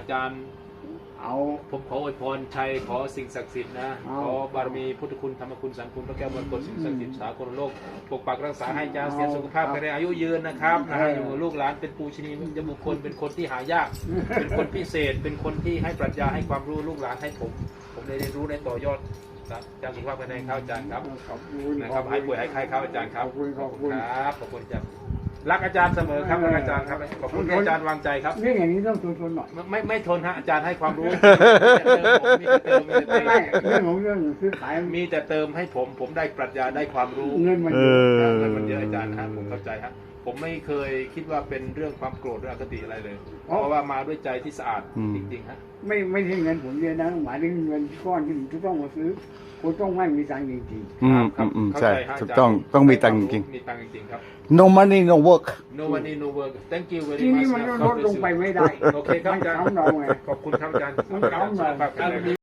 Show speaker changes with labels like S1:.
S1: จารย์ผมขออวยพรชัยขอสิ่งศักดิ์สิทธิ์นะขอบารมีพุทธคุณธรรมคุณสังคุณพระแก้วมรกตสิ่งศักดิ์สิทธิ์สากลโลกปกปักรักษาให้อาจารย์เสียสุขภาพแข็งแรงอายุยืนนะครับนะฮะอยู่ลูกหลานเป็นปูชนียบุคคลเป็นคนที่หายากเป็นคนพิเศษเป็นคนที่ให้ปรัชญาให้ความรู้ลูกหลานให้ผมได้เรียนรู้ได้ต่อยอดครับอาจารย์สุขภาพแข็งแรงครับอาจารย์ครับนะครับหายป่วยหายไข้ครับอาจารย์ครับขอบคุณครับขอบคุณอาจารย์รักอาจารย์เสมอครับรักอาจารย์ครับขอบคุณที่อาจารย์วางใจครับ
S2: เรื่องอย่างนี้ต้องทนหน่อย
S1: ไม่ทนฮะอาจารย์ให้ความรู้มีแต่เติม
S2: ไม่เรื่องของเรื่องซื้อขาย
S1: มีแต่เติมให้ผมได้ปรัชญาได้ความรู้
S2: เงินมันเยอะ
S1: เงินมันเยอะอาจารย์ฮะผมเข้าใจฮะผมไม่เคยคิดว่าเป็นเรื่องความโกรธหรืออคติอะไรเลยเพราะว่ามาด้วยใจที่สะอาดจริงๆฮะ
S2: ไม่ใช่เงินผมเยอะนะหมายถึงเงินก้อนที่ผมจะต้องมาซื้อคุณต้องไม่มีตังค์จริง
S3: ใช่ถูกต้องมีตังค์จริง
S1: มีตังค์จริงครับ
S3: no money no work
S1: no money no work thank you
S2: ๆ
S1: very
S2: ที่
S1: much
S2: นี่มันลดลงไปไม่ได้
S1: โอเคครับอาจารย์
S2: มันเก่าหน่อย
S1: ขอบคุณครับอาจารย์
S2: มันเก่าหน่อย